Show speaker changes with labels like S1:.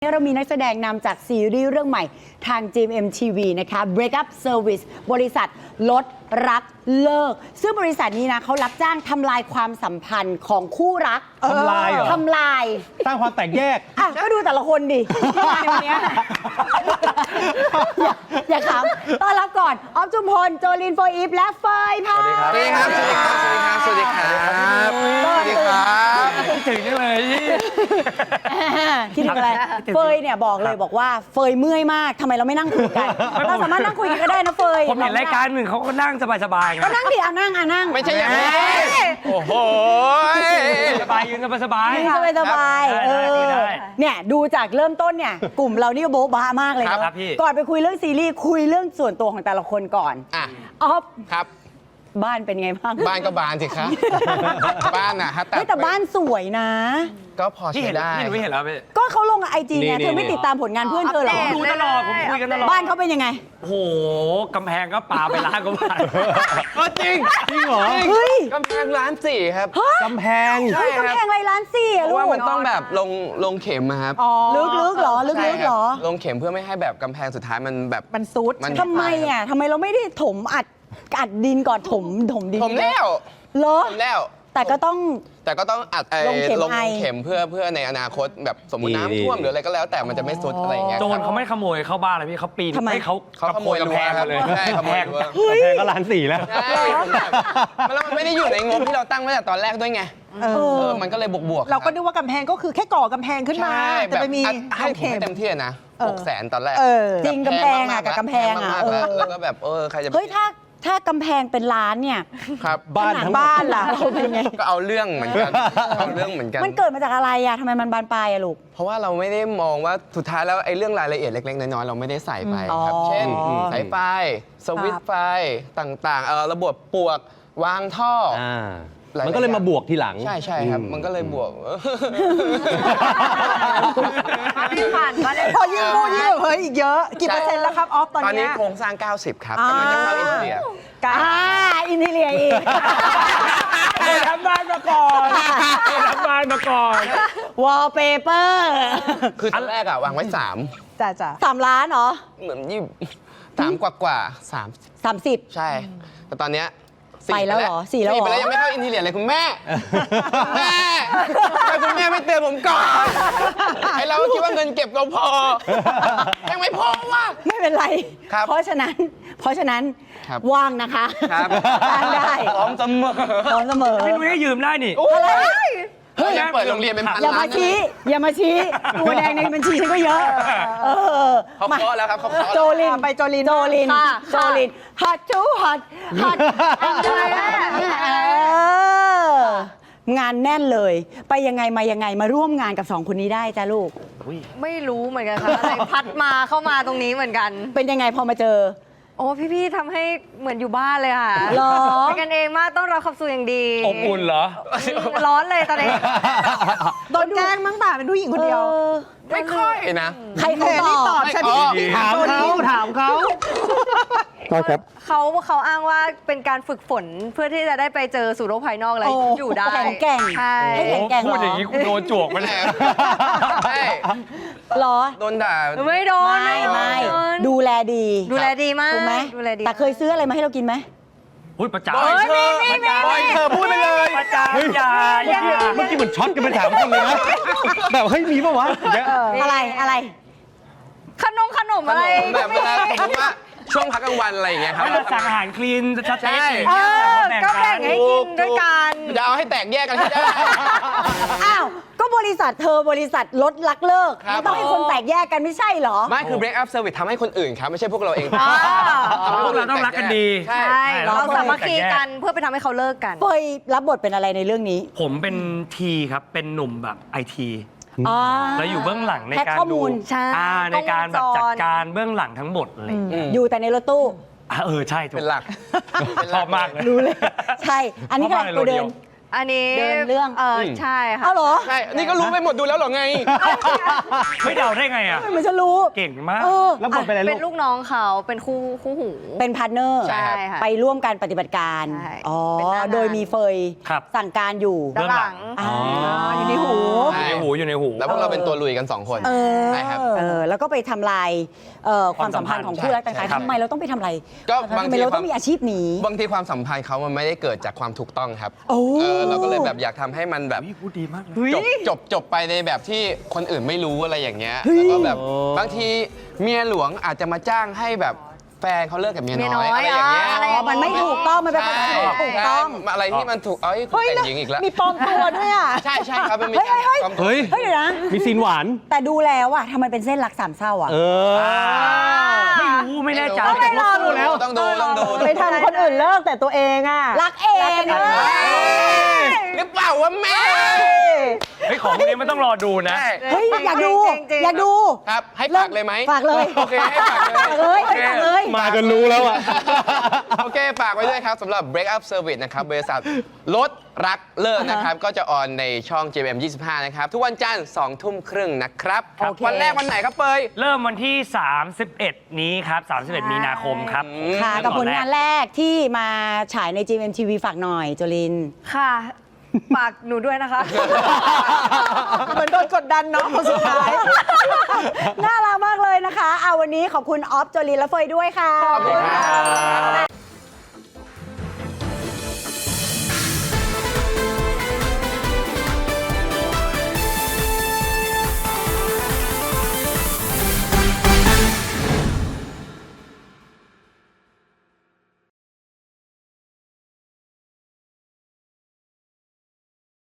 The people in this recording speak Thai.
S1: เรามีนักแสดงนำจากซีรีส์เรื่องใหม่ทาง GMMTV นะคะ Break Up Service บริษัทลดรักเลิกซึ่งบริษัทนี้นะเขารับจ้างทำลายความสัมพันธ์ของคู่รัก
S2: ทำลายเหรอ
S1: ทำลาย
S2: สร้างความแตกแยก
S1: อ่ะก็ดูแต่ละคนดิที่มาในวันเนี้ยอย่าขำต้อนรับก่อนออฟจุมพลโจลินโฟอีฟและเฟยพา
S3: สวัสดีครับ สวัสดีครับ สวัสดีครับ สวัสดีครับ
S2: ถึงนี่เลย
S1: คิดถึงอะไรเฟยเนี่ยบอกเลยบอกว่าเฟยเมื่อยมากทำไมเราไม่นั่งคุยกันเราสามารถนั่งคุยกันก็ได้นะเฟย
S4: ผมเห็นรายการหนึ่งเขาก็นั่งสบายๆไง
S1: ก็นั่งดินั่งนั่ง
S3: ไม่ใช่อย่างนี้โอ้โห
S4: สบายยืนสบาย
S1: สบาย
S4: ได้
S1: เนี่ยดูจากเริ่มต้นเนี่ยกลุ่มเรานี่โบ๊ะบ้ามากเลย
S4: ครั
S1: เนาะ
S4: บพี่
S1: ก่อนไปคุยเรื่องซีรีส์คุยเรื่องส่วนตัวของแต่ละคนก่อน
S3: อ่ะ
S1: ออฟ
S3: ครับ
S1: บ้านเป็นไงบ้าง
S3: บ้านก็บานสิครับ บ้านนะฮะ
S1: เฮ้ยแต่บ้านสวยนะ
S3: ก็พอ
S4: พี่
S3: ใช้
S4: เห็น
S3: ได้
S4: พี่หนูไม่เห็นแล้วพี่
S1: ก็เขาลงไอจีไง
S3: นี่
S1: เธอไม่ติดตามผลงานเพื่อนเธอเหรอ
S4: ดูตลอดผมคุยกันตลอด
S1: บ้านเขาเป็นยังไง
S4: โอ้โหกำแพงก็ปาไปล้านกว่าบาท
S3: จริง
S2: จริงเหรอ
S1: เฮ้ย
S3: กำแพงร้านสี่ครับ
S2: กำแพง
S3: ใช่
S1: เฮ้ย
S3: ครับ
S1: กำแพงไรล้านสี่
S3: เพ
S1: อะลู
S3: ราะ
S1: ก
S3: ว่ามันต้องแบบลงเข็มอะครับ
S1: ลึกๆเหรอลึ
S3: ใช่
S1: กๆ
S3: ค
S1: เหร
S3: รั
S1: อ
S3: ลงเข็มเพื่อไม่ให้แบบกำแพงสุดท้ายมันแบบ
S5: มันซูด
S1: ทำไมอ่ะทำไมเราไม่ได้ถมอัดดินก่อนถมดิน
S3: ผมแล้ว
S1: เหรอ
S3: ผมแล้ว
S1: แต่ก็ต้อง
S3: แต่ก็ต้องอัด
S1: ลงเข็ม
S3: ลง
S1: ไอ
S3: เข็มเพื่อในอนาคตแบบสมมติ
S2: นี่
S3: น้ำท่วมหรืออะไรก็แล้วแต่มันจะไม่สุดอะไรอย่างเงี้ย
S4: โจ
S3: ค
S4: ร
S3: รับ
S4: เขาไม่ขโมยเข้าบ้านเลยพี่เขาปีน
S1: ทำไม
S4: ให้เขา
S3: เขาขโมย
S4: กำแพง
S3: รั้วครับ
S4: มาเลย
S3: ใช่ขโมยรั้ว
S2: กำแพงก็ล้านสี่แล้ว
S3: ใช่แล้วมันไม่ได้อยู่ในงบที่เราตั้งไว้แต่ตอนแรกด้วยไง มันก็เลยบวกๆ
S5: เราก็
S3: ค
S5: นึ
S3: บ
S5: กว่ากำแพงก็คือแค่ก่อกำแพงขึ้นมา
S3: ใช่
S5: แต่ไปมี
S3: ให้ผม
S5: เข็ม
S3: ให้เต็มที่นะ 600,000ตอนแรก
S5: เ
S1: จริงกำแพงอ่ะกับกำแพงอ่ะ
S3: มากๆแล้วก็แบบใครจะ
S1: เฮ้ยถ้ากำแพงเป็นล้านเนี่ย
S3: ครับ
S2: บ้าน
S1: ขนาด
S2: ทั้งหมด
S1: บ้านล่ะเราเป็นไง
S3: ก็เอาเรื่องเหมือนกันเอาเรื่องเหมือนกัน
S1: มันเกิดมาจากอะไรอ่ะทำไมมันบานปลายอ่ะลูก
S3: เพราะว่าเราไม่ได้มองว่าสุดท้ายแล้วไอ้เรื่องรายละเอียดเล็กๆน้อยๆเราไม่ได้ใส่ไปครับ
S1: อ๋อ
S3: เช่นสายไฟสวิตช์ไฟต่างๆระบบปลวกวางท่อ หลายๆ
S2: มันก็เลยมาบวกทีหลัง
S3: ใช่ครับ มันก็เลยบวก
S5: ผ่านมาเลยพอยิ่งพูดยิ่งแบบเฮ้ยอีกเยอะ กี่เปอร์เซ็นต์แล้วครับออฟตอน
S3: ตอนนี้
S5: เนี้ย
S3: โครงสร้าง 90 ครับกำลังจะเข้าอินเดีย
S1: อินทีเรียอีก
S4: เคยทำบ้านมาก่อนเคยทำบ้านมาก่อน
S1: วอลเปเปอร์
S3: คือตอนแรกอะวางไว้
S5: จ้ะ
S1: 3 ล้านเหรอ
S3: 3 เหมือน3กว่า3
S1: 30
S3: ใช่ แต่ตอนเนี้ย
S1: ไปแล้วเหรอ4แล้วเหรอ
S3: ไปแล้วยังไม่เข้าอินทีเรียเลยคุณแม่แม่ทำไมคุณแม่ไม่เตือนผมก่อนไอเราก็คิดว่าเงินเก็บเราพอ ยังไม่พอว่ะ
S1: ไม่เป็นไร
S3: ครับ
S1: เพราะฉะนั้น
S3: ครับ
S1: ว่างนะคะ
S3: ครับ
S1: ว่างได้
S3: พร้อมเสมอ
S1: พร้อมเสมอ
S4: พี่นุ้ยให้ยืมได้นี่
S3: เฮ้ยยังเปิดโรงเรียนเป็นพัน
S1: อย่า
S3: ล้า
S1: มาน ชี้อย่ามาชี้ตัวแดงในบัญชีฉันก็เยอะ
S3: เขาเคาะแล้วครับเขาเคาะ
S1: โจลิน
S5: ไปโจลิน
S1: โจลิน
S5: ค่ะ
S1: โจลินฮอตจูฮอตงานแน่นเลย ไปยังไงมายังไงมาร่วมงานกับ 2 คนนี้ได้จ้าลูก
S6: ไม่รู้เหมือนกันค่ะอะไรพัดมาเข้ามาตรงนี้เหมือนกัน
S1: เป็นยังไงพอมาเจอ
S6: โอ้พี่ๆทำให้เหมือนอยู่บ้านเลยค่ะ
S1: หรอ
S6: เป็นกันเองมากต้อนรับขับสู่อย่างดี
S4: อบอุ่นเหรอ
S6: ร้อนเลยตอนนี้
S5: โดนแกล้งมั้งป่ะเป็นผู้หญิงคนเดียว
S3: ไม่ค่อยนะ
S1: ใครเขา
S5: เธอนี่
S1: บ
S5: ต
S1: อ
S5: อก บฉัน
S3: อ๋อ
S2: ถามเขา
S6: เขาอ้างว่าเป็นการฝึกฝนเพื่อที่จะได้ไปเจอสู่โลกภายนอกอะไร
S1: โอ้
S6: อยู่ได้
S1: แข็งแกร่ง
S6: ใช่
S1: ให้แข็งแกร่ง
S4: พูด
S1: เหร
S4: อย่าง
S1: อ
S4: นี้กูโดนจวกมัน
S3: ใช่
S1: เหรอ
S3: โดนด่า
S6: ไม่โดน
S1: ไม่
S6: โดน
S1: ดูแลดี
S6: ดูแลดีมาก
S1: ถูกไหม
S6: ดูแลดี
S1: แต่เคยซื้ออะไรมาให้เรากินไหม
S4: พูดประจา
S3: บอยเธอ บอยเธอพูดไปเลย
S4: ประจาอย่า
S2: เมื่อกี้เหมือนช็อตกันไป3 คนเลยนะแบบเฮ้ยมีปะวะอย่างเงี้ย
S1: อะไร
S6: ขนมอะไร
S3: แบบเวลาสมมติว่าช่วงพักกลางวันอะไรอย่างเงี้ยครับ
S4: ให้มันสั่งอาหารคลีนสเต็ก
S3: ใช่
S4: อย่างเงี้ย
S6: ก็แบ่งให้กินด้วยกัน
S3: จะเอาให้แตกแยกกันให้ได้
S1: อ้าว ก็บริษัทเธอบริษัทลดลักเลิก
S3: ครับ
S1: มันต้องให้คนแตกแยกกันไม่ใช่เหรอ
S3: ไม่คือ break up service ทำให้คนอื่นครับ ไม่ใช่พวกเราเอง
S6: อ๋อ
S3: ทำให้
S4: พ
S3: ค
S4: วน ก
S3: อื่
S4: เราต้องรักกันดี
S3: ใช่
S6: ใช่
S4: เรา
S6: เรา
S4: ต้อง
S6: สามัคคี
S4: แตกแยก
S6: กันเพื่อไปทำให้เขาเลิกกัน
S1: เฟยรับบทเป็นอะไรในเรื่องนี้
S4: ผมเป็นทีครับ เป็นหนุ่มแบบไอที
S1: อ๋อ
S4: แล้วอยู่เบื้องหลังใน
S1: แพ็ค
S4: การ
S1: ข้อ
S4: ดู
S1: มูล
S6: ใช่
S4: ในการแบบ
S6: กล้องวงจร
S4: จัดการเบื้องหลังทั้งหมดอะไรอย่างเงี้ย
S1: อยู่แต่ในรถตู้
S4: ใช่ถูก
S3: เป็นหลัก
S4: ชอบมากเลย
S1: รู้เลย ใช่ อันนี้ก็
S4: ชอบมากเลย
S1: ตัวเดิน
S4: โรเดียว
S6: อันนี้
S1: เดินเรื่อง
S6: ใช่ค่ะ
S1: เอาเหรอ
S3: ใช่ นี่ก็รู้ไปหมดดูแล้วเหรอไง
S4: ไม่เดาได้ไงอ่ะ
S1: เหมือนจะรู้
S4: เก่งมาก
S1: เออ
S2: แล้วบทเป็นอะไร
S6: เป็
S2: ลู
S6: น
S2: ก
S6: ลูกน้องเขาเป็นคู่หู
S1: เป็นพาร์ทเนอร์
S3: ใช่
S6: ค่ะ
S1: ไปร่วมการปฏิบัติการ
S6: ใช่
S1: อ๋อ
S6: เป็นหน้างาน
S1: โดยมีเฟย
S4: ครับ
S1: สั่งการอยู่
S6: ด้านหลัง
S1: อ่า
S5: อยู่ในหู
S4: อยู่ในหู
S3: แล้วพวกเราเป็นตัวลุยกัน 2 คน
S1: เออ
S3: ใช่ครับ
S1: แล้วก็ไปทำลายความสัมพันธ์ของคู่รักต่าง
S3: ใช่
S1: ๆ
S3: ครับ
S1: ทำไมเราต้องไปทำลาย
S3: ก็บางที
S1: ทำไมเราต้องมีอาชีพนี้
S3: บางทีความสัมพันธ์เขามันไม่ได้เกิดจากความถูกต้องครับ
S1: โอ้
S3: เราก็เลยแบบอยากทำให้มันแบบ
S4: พูดดีมากเลย
S3: จบไปในแบบที่คนอื่นไม่รู้อะไรอย่างเงี้ย
S1: เฮ้ย
S3: แล้วก็แบบบางทีเมียหลวงอาจจะมาจ้างให้แบบแฟนเขาเลิกกับเมียน้อยอะไรอย่างเงี้ย
S6: อะไรอย่างเงี้ย
S1: มันไม่ถูกต้องมันเป็น
S3: ใช่
S1: ความที่ถูกต้อง
S3: ใช่อะไรที่มันถูกเอ้ยคุณแต่งหญิงอีกแล้ว
S5: มีปลอมตัวด้วยอ่ะ
S3: ใช่ครับมันมี
S1: เฮ้ย
S3: การความ
S2: เฮ้ย
S1: เฮ้ยเดี๋ยวนะ
S2: มีซีนหวาน
S1: แต่ดูแล้วอะทำไมเป็นเส้นรักสามเศร้าอะ
S2: เออ
S4: ไม่รู้ไม่แน่ใจ
S1: ไม่รอดู
S2: แล้ว
S3: ต้องดูต้องดู
S5: ไปทำคนอื่นเลิกแต่ตัวเองอ่ะ
S1: รักเอง
S5: รักเอง
S3: หรือเปล่าวะแม่
S4: เฮ้ยของพวกนี้มันต้องรอดูนะ
S3: ใช่
S1: เฮ้ยอยากดู
S6: จริงๆ
S1: อยากดู
S3: ครับให้ฝากเลยไหม
S1: ฝากเลย
S3: โอเคให้ฝากเลย
S1: ฝากเลยให้ฝากเลย
S2: มาจนรู้แล้วอ่ะ
S3: โอเค ฝากไว้ด้วยครับสำหรับ Break Up Service นะครับบริษัทลดรักเลิกนะครับ ก็จะออนในช่อง JMM 25 นะครับ ทุกวันจันทร์2 ทุ่มครึ่งนะครับ
S1: โอเค
S3: วันแรกวันไหนครับเปย
S4: เริ่มวันที่ 31 นี้ครับ 31 มีนาคมครับ
S1: ค่ะกับผลงานแรกที่มาฉายใน GMMTV ฝากหน่อยโจลิน
S6: ค่ะ ฝากหนูด้วยนะคะ
S5: เหมือนโดนกดดันเนาะคนสุดท้าย
S1: น่ารักมากเลยนะคะเอาวันนี้ขอบคุณออฟโจลินและเฟยด้วยค่ะ
S3: ขอบคุณครับ